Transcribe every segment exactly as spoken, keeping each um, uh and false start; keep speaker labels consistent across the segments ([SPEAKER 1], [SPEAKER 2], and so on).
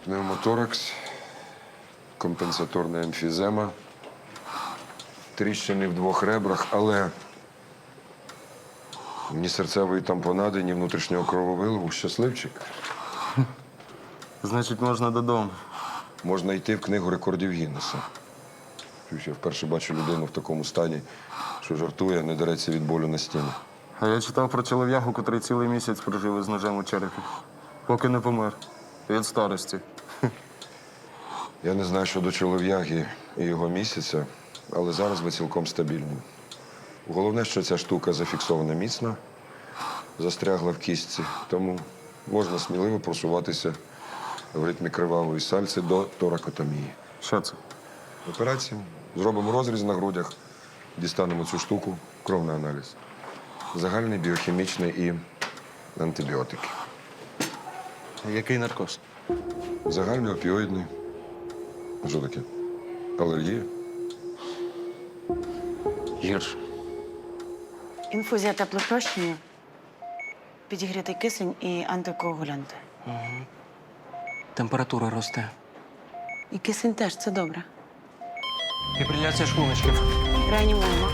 [SPEAKER 1] Пневмоторакс, компенсаторна емфізема, тріщини в двох ребрах, але ні серцевої тампонади, ні внутрішнього крововиливу. Щасливчик.
[SPEAKER 2] Значить, можна додому.
[SPEAKER 1] Можна йти в книгу рекордів Гіннеса. Я вперше бачу людину в такому стані, що жартує, не дереться від болю на стіні.
[SPEAKER 2] А я читав про чолов'ягу, котрий цілий місяць прожив із ножем у черепі. Поки не помер. Від старості.
[SPEAKER 1] Я не знаю щодо чолов'яги і його місяця, але зараз ви цілком стабільні. Головне, що ця штука зафіксована міцно, застрягла в кістці, тому можна сміливо просуватися в ритмі кривавої сальці до торакотомії.
[SPEAKER 2] Що це?
[SPEAKER 1] Операція. Зробимо розріз на грудях, дістанемо цю штуку, кровний аналіз. Загальний, біохімічний і антибіотики.
[SPEAKER 2] Який наркоз?
[SPEAKER 1] Загальний опіоїдний. Що таке? Алергія?
[SPEAKER 2] Гірше.
[SPEAKER 3] Інфузія теплопрощення, підігрітий кисень і антикоагулянти.
[SPEAKER 4] Температура росте.
[SPEAKER 3] І кисень теж, це добре.
[SPEAKER 4] Фібриляція шлуночків.
[SPEAKER 3] Реанімуємо.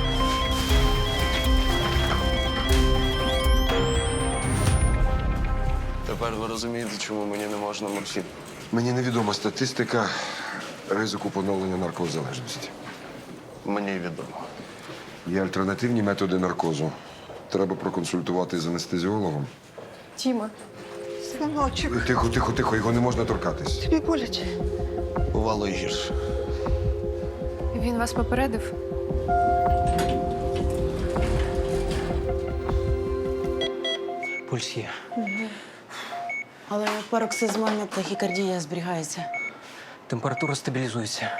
[SPEAKER 2] Тепер ви розумієте, чому мені не можна морфін.
[SPEAKER 1] Мені невідома статистика ризику поновлення наркозалежності.
[SPEAKER 2] Мені відомо.
[SPEAKER 1] Є альтернативні методи наркозу. Треба проконсультувати з анестезіологом.
[SPEAKER 5] Тіма, синочок,
[SPEAKER 1] Тихо, тихо, тихо, його не можна торкатись.
[SPEAKER 5] тобі боляче.
[SPEAKER 2] Бувало і гірше.
[SPEAKER 5] Він вас попередив?
[SPEAKER 4] Пульс є.
[SPEAKER 3] Але пароксизмальна тахікардія зберігається.
[SPEAKER 4] Температура стабілізується.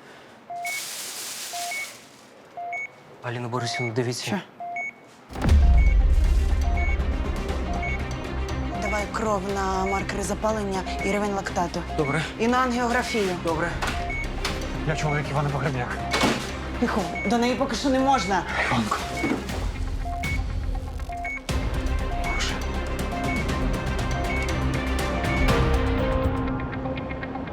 [SPEAKER 4] Аліна Борисівна, дивіться.
[SPEAKER 3] Що? Давай кров на маркери запалення і рівень лактату.
[SPEAKER 4] Добре.
[SPEAKER 3] І на ангіографію.
[SPEAKER 4] Добре. Я чоловік Івана Погребняк.
[SPEAKER 3] Тихо, до неї поки що не можна.
[SPEAKER 4] Іванко.